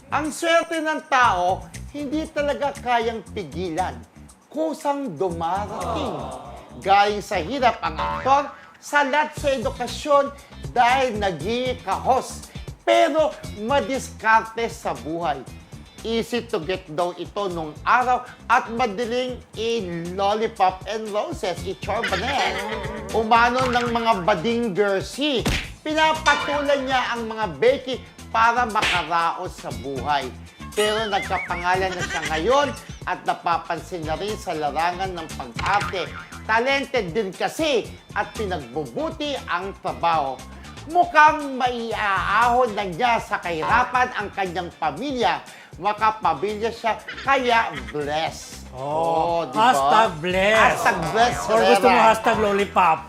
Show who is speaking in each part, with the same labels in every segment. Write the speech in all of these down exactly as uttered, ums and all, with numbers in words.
Speaker 1: Ang swerte ng tao, hindi talaga kayang pigilan. Kusang dumarating. Galing sa hirap ang aktor, salat sa edukasyon dahil naging kahos. Pero madiskarte sa buhay. Easy to get daw ito nung araw at madaling i-lollipop and roses, i-chorbanet. Umano ng mga bading Gersi. Pinapatulan niya ang mga Becky para makaraos sa buhay. Pero nagkapangalan na siya ngayon at napapansin na rin sa larangan ng pag-arte. Talented din kasi at pinagbubuti ang trabaho. Mukhang maiaahon na niya sa kahirapan ang kanyang pamilya. Makapamilya siya, kaya bless.
Speaker 2: Oh,
Speaker 1: diba?
Speaker 2: hashtag bless.
Speaker 1: Hashtag bless.
Speaker 2: Or gusto mo hashtag lollipop.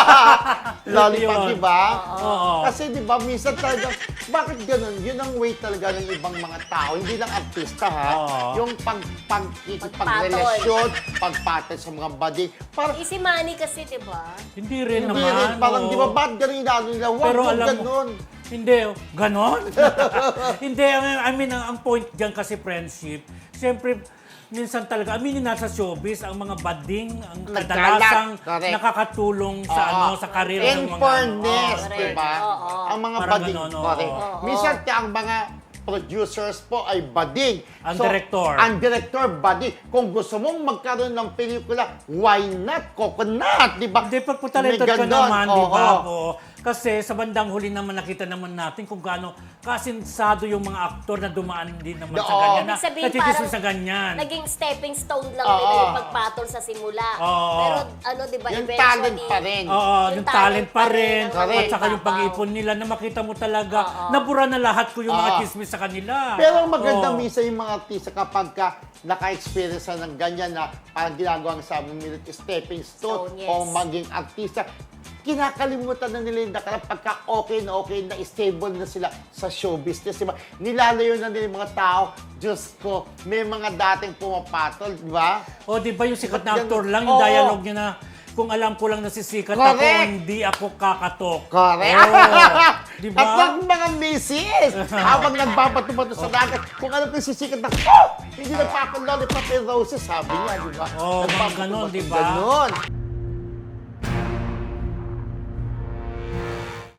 Speaker 1: Lollipop,
Speaker 2: Yun.
Speaker 1: di ba?
Speaker 2: Oo.
Speaker 1: Kasi di ba, minsan talaga, bakit ganun? Yun ang way talaga ng ibang mga tao, hindi lang artista ha.
Speaker 2: Oo.
Speaker 1: Yung pag, pag, pagrelasyon, pagpatol sa mga bading. Parang,
Speaker 3: Easy money kasi, di ba?
Speaker 2: Hindi rin
Speaker 1: hindi
Speaker 2: naman.
Speaker 1: rin, parang
Speaker 2: oo.
Speaker 1: di ba, ba't ganun yung ano nila? Huwag
Speaker 2: Pero
Speaker 1: mo
Speaker 2: alam mo-
Speaker 1: ganun.
Speaker 2: Hindi, oh. ganon? Hindi, I mean, ang, ang point dyan kasi friendship, siyempre, minsan talaga, aminin na sa showbiz, ang mga bading, ang
Speaker 1: Nagkalat.
Speaker 2: kadalasang
Speaker 1: Correct.
Speaker 2: nakakatulong sa
Speaker 1: Oo.
Speaker 2: ano sa karir
Speaker 1: In
Speaker 2: ng mga
Speaker 1: fairness,
Speaker 3: Oo,
Speaker 1: di ba?
Speaker 3: oo.
Speaker 1: Ang mga
Speaker 2: Parang
Speaker 1: bading,
Speaker 2: ganun, oo.
Speaker 1: correct.
Speaker 3: Oo.
Speaker 1: Minsan, ang mga producers po ay bading.
Speaker 2: Ang director.
Speaker 1: Ang director, bading. Kung gusto mong magkaroon ng pelikula, why not? Coconut, di ba?
Speaker 2: Hindi, pag talented
Speaker 1: May
Speaker 2: ka
Speaker 1: ganon.
Speaker 2: naman, di ba?
Speaker 1: Oo.
Speaker 2: Oo. Kasi sa bandang huli naman nakita naman natin kung gaano kasinsado yung mga aktor na dumaan din naman sa
Speaker 1: Oo.
Speaker 2: ganyan. Na,
Speaker 3: Ibig sabihin,
Speaker 2: natitis
Speaker 3: parang
Speaker 2: sa ganyan.
Speaker 3: naging stepping stone lang
Speaker 1: Oo.
Speaker 3: nila yung pagpatol sa simula.
Speaker 2: Oo.
Speaker 3: Pero ano, di ba,
Speaker 1: Yung
Speaker 3: eventually...
Speaker 1: talent pa rin.
Speaker 2: Oo, yung, talent pa rin.
Speaker 3: ang
Speaker 1: Correct.
Speaker 2: At saka yung
Speaker 3: nagbabaw.
Speaker 2: pag-ipon nila na makita mo talaga,
Speaker 3: Oo.
Speaker 2: nabura na lahat ko yung mga
Speaker 1: Oo.
Speaker 2: chismis sa kanila.
Speaker 1: Pero ang maganda
Speaker 2: Oo.
Speaker 1: minsan yung mga artista kapag ka naka-experience na ng ganyan na parang ginagawa ang sabi nila stepping stone
Speaker 3: Stone, yes.
Speaker 1: o maging artista, kinakalimutan na nila yung nakala pagka okay na okay na stable na sila sa show business. Diba? Nilalayo na nila yung mga tao. Diyos ko, may mga dating pumapatol, di ba?
Speaker 2: O, di ba yung sikat na
Speaker 1: Ba't
Speaker 2: actor
Speaker 1: ganun?
Speaker 2: lang, yung
Speaker 1: Oo.
Speaker 2: dialogue niya na, kung alam ko lang nasisikat ako,
Speaker 1: Correct.
Speaker 2: hindi ako kakatok.
Speaker 1: Correct.
Speaker 2: Oo. Di
Speaker 1: At
Speaker 2: ba?
Speaker 1: ang mga missis, habang nagbabato-bato sa dagat, kung alam ko yung sisikat na, oh! Hindi nagpapalolipop and roses, sabi niya, di ba?
Speaker 2: Oo, mga ganon, di ba?
Speaker 1: Ganon.